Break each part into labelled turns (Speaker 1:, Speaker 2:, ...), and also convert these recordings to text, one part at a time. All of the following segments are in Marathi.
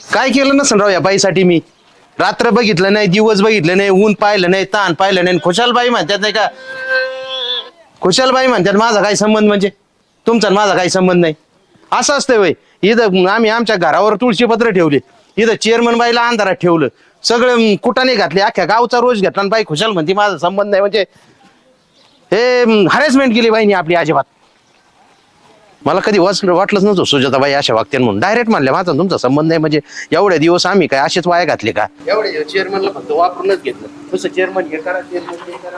Speaker 1: काय केलं नसेल राव या बाईसाठी मी. रात्र बघितलं नाही, दिवस बघितलं नाही, ऊन पाहिलं नाही, ताण पाहिलं नाही. खुशालबाई म्हणतात नाही का, खुशालबाई म्हणतात माझा काही संबंध म्हणजे तुमचा माझा काही संबंध नाही. असं असतंय वय. इथं आम्ही आमच्या घरावर तुळशीपत्र ठेवले, इथं चेअरमन बाईला अंधारात ठेवलं, सगळं कुटाने घातले, अख्ख्या गावचा रोज घेतला आणि बाई खुशाल म्हणते माझा संबंध नाही. म्हणजे हे हॅरेसमेंट केली बाईनी आपली अजिबात. मला कधी वाटलंच नव्हतं सुजाताबाई अशा वागत्यान म्हणून. डायरेक्ट म्हणल्या माझा तुमचा संबंध नाही. म्हणजे एवढ्या दिवस आम्ही काय असेच वाया घातले का? एवढे चेअरमनला फक्त वापरूनच घेतलं. तसं चेअरमन हे करा, चेअरमन ते करा.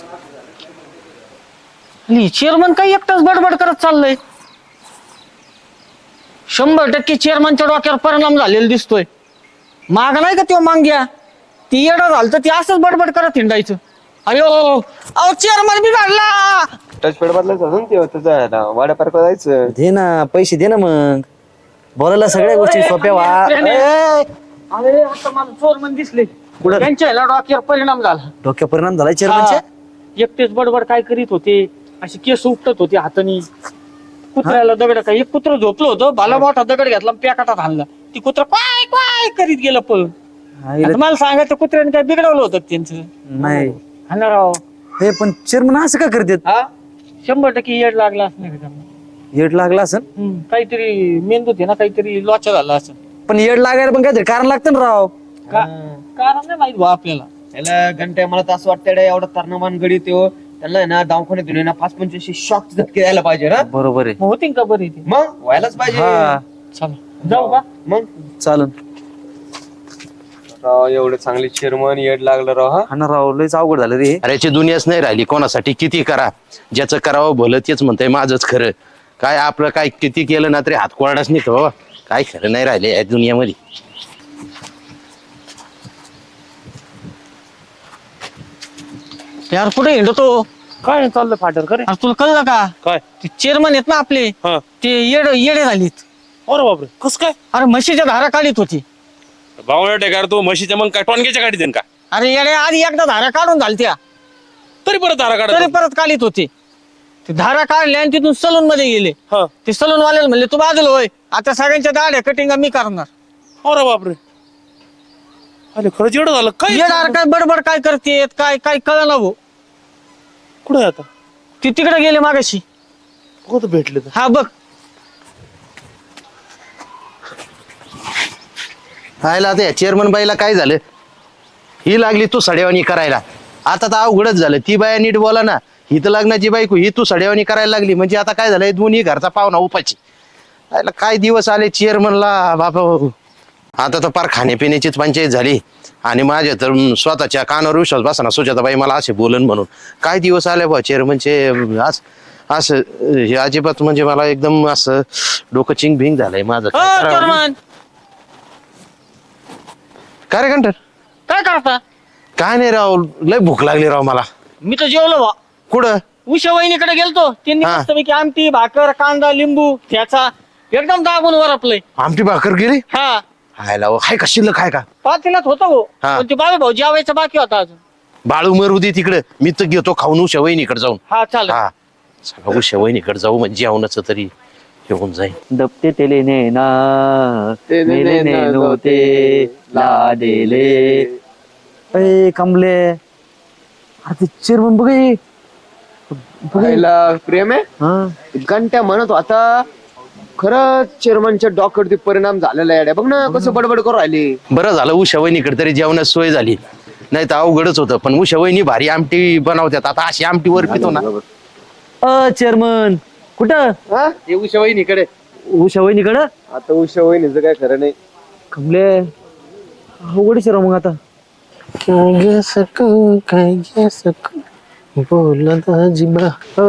Speaker 2: चेअरमन काही एकटाच बडबड करत चाललंय. 100% चेअरमनच्या डोक्यावर परिणाम झालेला दिसतोय. माग नाही का तो मांग्या, ती येडा झालं तर ती असंच बडबड करत हिंडायचं. अयो अहो चेअरमन बिघडला.
Speaker 3: टचपॅड बदलायचं असेल तेव्हा तुझा वाड्या पार्क जायचं.
Speaker 4: दे ना पैसे दे ना, मग बोलायला सगळ्या गोष्टी सोप्या व्हा.
Speaker 2: अरे आता मला चोरमन दिसले, त्यांच्या ह्याला डोक्यावर परिणाम झाला.
Speaker 4: डोक्या परिणाम झाला चेअरमनच्या.
Speaker 2: एकटेच बडबड काय करीत होते, अशी केस उपटत होते हातानी. कुत्र्याला दगड काय, एक कुत्र झोपलं होतं, भाला मोठा दगड घेतला प्याकाटात हाणला. ती कुत्र काय काय करीत गेलं पळून. आता मला सांगायचं कुत्र्याने काय बिघडवलं होतं त्यांचं?
Speaker 4: नाही
Speaker 2: हा ना राव.
Speaker 4: हे पण चेअरमन असं का करतात?
Speaker 2: हा 100% येड लागला असं नाही का त्यांना?
Speaker 4: येड लागला असं.
Speaker 2: काहीतरी मेंदूत आहे ना, काहीतरी लोचा झाला असं.
Speaker 4: पण येड लागायला पण काहीतरी कारण लागतं ना राव.
Speaker 2: कारण नाही माहित भाऊ आपल्याला.
Speaker 3: याला घंटे मला तर असं वाटतं एवढा तरणमान गडी तो त्यांना आहे ना दवाखान्यात ना 5-25 शॉक झटके द्यायला पाहिजे ना.
Speaker 4: बरोबर आहे.
Speaker 2: मग होतील का बरी ती?
Speaker 3: मग व्हायलाच पाहिजे.
Speaker 2: चला जाऊ का?
Speaker 3: मग
Speaker 4: चालन.
Speaker 3: राव एवढे चांगले चेअरमन येड लागलं राव.
Speaker 4: हा ना राव, लयच अवघड झालं रे.
Speaker 1: अरे याची दुनियाच नाही राहिली. कोणासाठी किती करा, ज्याचं करावं भलं तेच म्हणतंय माझंच खरं. काय आपलं काय किती केलं ना तरी हात कोरडाच नाही तो. काय खरं नाही राहिले या दुनियामध्ये.
Speaker 2: यार कुठे हिंडतो?
Speaker 5: काय चाललं फाटर करे?
Speaker 2: अरे तुला कळलं का?
Speaker 5: काय?
Speaker 2: ते चेअरमन आहेत ना आपले,
Speaker 5: हा.
Speaker 2: ते येडे झालीत.
Speaker 5: अरे बापरे, कस काय?
Speaker 2: अरे म्हशीच्या धारा काढीत होती.
Speaker 5: बावळा टेकार तू म्हशीच्या मग काय टोनग्याच्या गाडी देन का?
Speaker 2: अरे येडे आधी एकदा धारा काढून झालत्या,
Speaker 5: तरी परत धारा
Speaker 2: तरी
Speaker 5: काढा.
Speaker 2: परत काढीत होते. ते धारा काढले आणि तिथून सलून मध्ये गेले.
Speaker 5: हा.
Speaker 2: ते सलून वाल्याला म्हणले तू बाजूला होय, आता सगळ्यांच्या दाढ्या कटिंग मी करणार.
Speaker 5: अरे बापरे, अरे खरंच एवढं झालं काय?
Speaker 2: येणार काय बडबड काय करते, काय काय कळना भाऊ.
Speaker 5: कुठे आता?
Speaker 2: ती तिकडे गेले मागाशी.
Speaker 5: कुठं भेटले तर?
Speaker 2: हा बघ.
Speaker 1: हायला आता या चेअरमन बाईला काय झालं, ही लागली तू सड्यावानी करायला. आता तर अवघडच झालं. ती बाया नीट बोला ना, ही तर लग्नाची बायको, ही तू सड्यावानी करायला लागली. म्हणजे आता काय झालंय, दोन्ही घरचा पाहुणा उपाची. हायला काय दिवस आले चेअरमनला बाबा. आता तर पार खाण्यापिण्याचीच पंचायत झाली. आणि माझ्या तर स्वतःच्या कानावर विश्वास बसा ना, सुजाताबाई मला असे बोलन म्हणून. काय दिवस आले बा चेअरमनचे. असं हे अजिबात म्हणजे मला एकदम असं डोकं चिंग भिंग झालंय माझं.
Speaker 2: चेअरमन
Speaker 1: काय रे घंटर,
Speaker 2: काय करता?
Speaker 1: काय नाही राव, लय भूक लागली राव मला.
Speaker 2: मी तर जेवलो बा.
Speaker 1: कुठं?
Speaker 2: उषा वहिनीकडे गेलतो, त्यांनी
Speaker 1: हा.
Speaker 2: मस्तपैकी आमटी भाकर कांदा लिंबू ठ्याचा एकदम दाबून वरपलंय.
Speaker 1: आमटी भाकर गेली.
Speaker 2: हा
Speaker 1: हायला हाय का शिल्लक आहे का?
Speaker 2: पातेल्यात होतं हो,
Speaker 1: हा.
Speaker 2: पण ते बाबा भाऊ जेवायचं बाकी होता अजून.
Speaker 1: बाळू मरू दे तिकडे, मी तर घेतो खाऊन उषा वहिनीकडे जाऊन.
Speaker 2: हा चालेल.
Speaker 1: हा चला उषा वहिनीकडे जाऊ, म्हणजे जेवणाच तरी घेऊन जाईल.
Speaker 4: दबते तेले नेना मेले नेनो ते लाडेले. अय कमले, अरे चेअरमन बघ हे.
Speaker 3: व्हायला प्रेम आहे. घंट्या म्हणत होता खरंच चेअरमनच्या डॉक्टरवरती परिणाम झालेला आहे. बघ ना कसं बडबड करू राहिली.
Speaker 1: बरं झालं उषा वहिनीकडे तरी जेवणाची सोय झाली, नाही तर अवघडच होतं. पण उषा वहिनी भारी आमटी बनवतात. आता अशी आमटी वर पितो ना.
Speaker 4: चेअरमन कुठं?
Speaker 3: हा
Speaker 1: ते उषा वहिनीकडे.
Speaker 4: उषा वहिनीकडं.
Speaker 3: आता उषा वहिनीचं काय खरं नाही.
Speaker 4: कमले अवघडच आहे राव मग आता.
Speaker 1: बोला दाजीबा,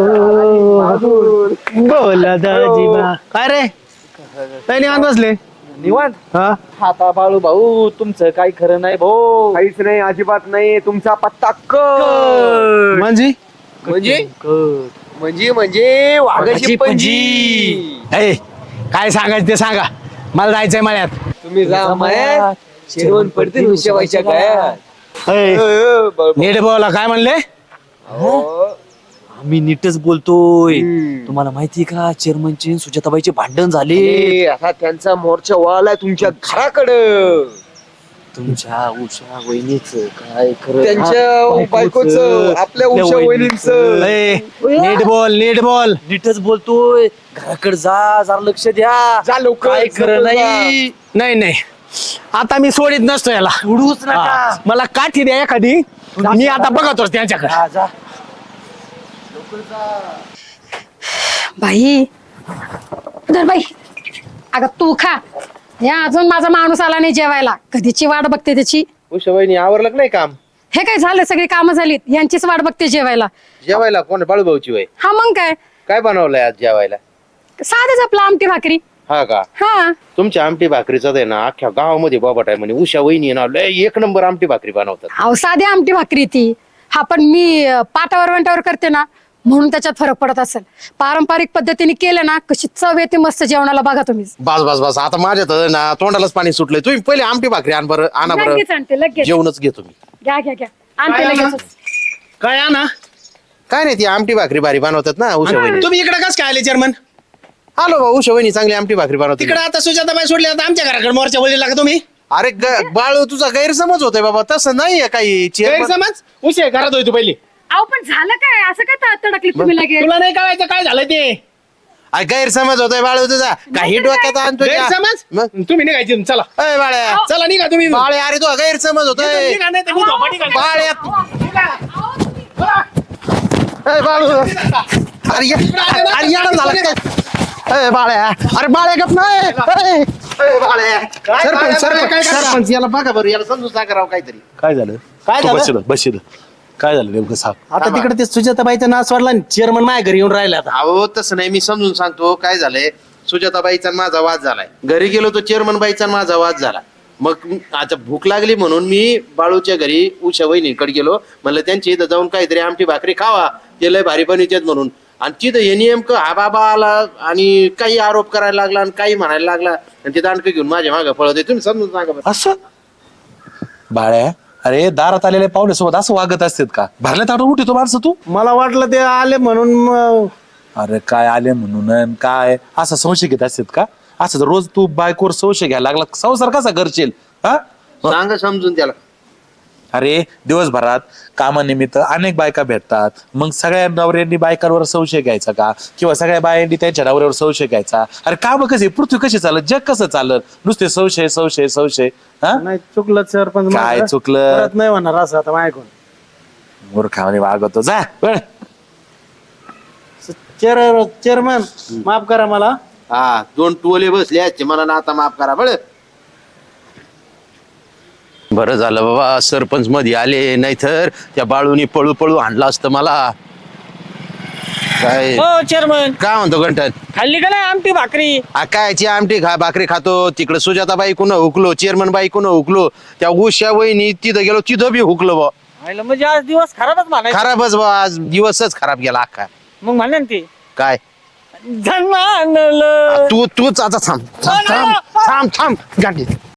Speaker 4: बोला दाजीबा.
Speaker 1: काय रे काय निवांत बसले?
Speaker 3: निवांत.
Speaker 1: हा
Speaker 3: हाता बाळू भाऊ तुमचं काही खरं नाही भाऊ. काहीच नाही, अजिबात नाही. तुमचा पत्ता
Speaker 1: म्हणजे
Speaker 3: म्हणजे म्हणजे वाघाची पंजी.
Speaker 1: काय सांगायचं ते सांगा, मला जायचंय मळ्यात.
Speaker 3: तुम्ही जा मळ्यात, चिरवण पडतील उशेवायच्या काय.
Speaker 1: नीट बोला, काय म्हणले?
Speaker 4: आम्ही नीटच बोलतोय. तुम्हाला माहितीये का चेअरमनचे सुजाताबाईचे भांडण झाले.
Speaker 3: ए, आता त्यांचा मोर्चा वळालाय तुमच्या घराकडं.
Speaker 4: तुमच्या उषा वहिनीच काय खरं.
Speaker 3: त्यांच्या बायकोचं, आपल्या उषा वहिनींचं.
Speaker 1: नीट बोल नीट बोल.
Speaker 4: नीटच बोलतोय. घराकडे जा, जरा लक्ष द्या.
Speaker 3: जा लवकर,
Speaker 4: काय खरं नाही.
Speaker 5: नाही नाही आता मी सोडित नसतो याला.
Speaker 4: उडूच नका.
Speaker 5: मला काठी द्या एखादी. मी आता बघतोच त्यांच्याकडे.
Speaker 4: जा, जा.
Speaker 6: बाई धर बाई. अगं तू खा. या अजून माझा माणूस आला नाही जेवायला. कधीची वाट बघते त्याची.
Speaker 1: उषा वहिनी आवरलं नाही काम?
Speaker 6: हे काय झालं, सगळी कामं झालीत, यांचीच वाट बघते जेवायला.
Speaker 1: जेवायला कोण बाळूभाऊची वय?
Speaker 6: हा मग काय,
Speaker 1: काय बनवलंय आज जेवायला?
Speaker 6: साधेच आपलं आमटी भाकरी.
Speaker 1: हा का?
Speaker 6: हा
Speaker 1: तुमच्या आमटी भाकरीचा आहे ना अख्ख्या गावामध्ये बाबाट आहे म्हणे. उषा वहिनी ना लय एक नंबर आमटी भाकरी बनवतात.
Speaker 6: अहो साधी आमटी भाकरी ती. हा पण मी पाटावर वंटावर करते ना म्हणून त्याच्यात फरक पडत असेल. पारंपरिक पद्धतीने केलं ना कशी चव येते मस्त जेवणाला. बघा तुम्ही.
Speaker 1: बस बस बस आता माझ्या तर ना तोंडालाच पाणी सुटलंय. तुम्ही पहिले आमटी भाकरी आण बरं. आणा बरं.
Speaker 6: लगेच आणते लगेच.
Speaker 1: जेवणच घेतो मी.
Speaker 6: घ्या घ्या घ्या आणते लगेच.
Speaker 5: काय ना
Speaker 1: काय नाही ती आमटी भाकरी भारी बनवतात ना उषा वहिनी.
Speaker 5: तुम्ही इकडे कस काय आले चेअरमन?
Speaker 1: आलो भाऊ उषा वहिनी चांगली आमटी भाकरी बनवते.
Speaker 5: तिकडे आता सुजाताबाई सोडली आता आमच्या घराकडे मोर्चा बोललेला का तुम्ही?
Speaker 1: अरे बाळू तुझा गैरसमज होतोय बाबा. तसं नाहीये काही.
Speaker 5: गैरसमज उशे घरात होय तू पहिली.
Speaker 6: अहो पण झालं काय असं काय तडकली तुम्ही लगेच?
Speaker 5: तुला नाही कळायचं काय झालं ते?
Speaker 1: अरे गैरसमज होतोय बाळू तुझा. काही डोक्यात आणतोय का?
Speaker 5: गैरसमज
Speaker 1: मग
Speaker 5: तुम्ही निघायचे चला.
Speaker 1: अय बाळ्या
Speaker 5: चला निघा तुम्ही.
Speaker 1: बाळे अरे तू गैरसमज होतोय.
Speaker 5: निघा नाही तर मी झोपाटी घालीन.
Speaker 1: बाळ्या अय बाळू अरे अरे येडा झाला काय? अय बाळ्या अरे बाळ्या गप नाही. अय बाळ्या सरपंच सरपंच सरपंच याला बघा बरं. याला समजून सांगा राव काहीतरी.
Speaker 7: काय झालं?
Speaker 5: काय झालं?
Speaker 7: बस काय झालं नेमकं सांग.
Speaker 5: आता तिकडे ते सुजाताबाईचा नाच वाढला. चेअरमन माझ्या घरी येऊन राहिले आता.
Speaker 1: अहो तसं नाही मी समजून सांगतो. काय झालंय सुजाताबाईचा आणि माझा वाद झालाय. घरी गेलो तो चेअरमन बाईचा आणि माझा वाद झाला. मग आता भूक लागली म्हणून मी बाळूच्या घरी उषा वहिनीकडे गेलो. म्हणलं त्यांच्या इथं जाऊन काहीतरी आमटी भाकरी खावा. ते लय भारी बनवतात म्हणून. आणि तिथं हे नेमकं हा बाबा आला आणि काही आरोप करायला लागला आणि काही म्हणायला लागला आणि ते दांडकं घेऊन माझ्या मागं पळत आहे. तुम्ही समजून सांगा बरं.
Speaker 7: असं बाळ्या अरे दारात आलेल्या पाहुण्यासोबत असं वागत असतात का? भरल्या ताटून उठतो माणसं तू.
Speaker 5: मला वाटलं ते आले म्हणून
Speaker 7: अरे काय आले म्हणून अन काय असा संशय घेत असतात का? असं जर रोज तू बायकोवर संशय घ्यायला लागला संसार कसा करशील? हा
Speaker 1: सांगा समजून त्याला.
Speaker 7: अरे दिवसभरात कामानिमित्त अनेक बायका भेटतात. मग सगळ्या नवऱ्यांनी बायकांवर संशय घ्यायचा का? किंवा सगळ्या बायांनी त्यांच्या नवऱ्यावर संशय घ्यायचा? अरे काम कसे, पृथ्वी कशी चालत, जग कसं चालत? नुसते संशय संशय संशय. हा
Speaker 5: नाही चुकलं सरपंच.
Speaker 7: काय
Speaker 5: माझं.
Speaker 7: चुकलं?
Speaker 5: परत नाही म्हणणार असं आता माझ्याकडून.
Speaker 7: मूर्खाने वागतो. जा वळ.
Speaker 5: चेअरमन माफ करा मला.
Speaker 1: हा 2 टोले बसले आहेत मला ना. आता माफ करा बरं. बरं झालं बाबा सरपंच मध्ये आले. नाहीतर त्या बाळूनी पळू पळू आणला असतं मला. काय
Speaker 2: हो चेअरमन
Speaker 1: काय म्हणतो गंठन?
Speaker 2: खाल्ली का नाही आमटी भाकरी?
Speaker 1: कायची आमटी भाकरी खातो. तिकडे सुजाताबाई कुणं हुकलो, चेअरमन बाई कुणं हुकलो, त्या उषा वहिनी तिथं गेलो तिथं बी हुकलो बा.
Speaker 2: आयला म्हणजे आज दिवस खराबच म्हणायचं.
Speaker 1: खराबच बा. आज दिवसच खराब गेला अख्खा.
Speaker 2: मग म्हणा ना ते
Speaker 1: काय
Speaker 2: धन आणलं.
Speaker 1: तूच आता थांब थांब थांब थांब थांब गाडी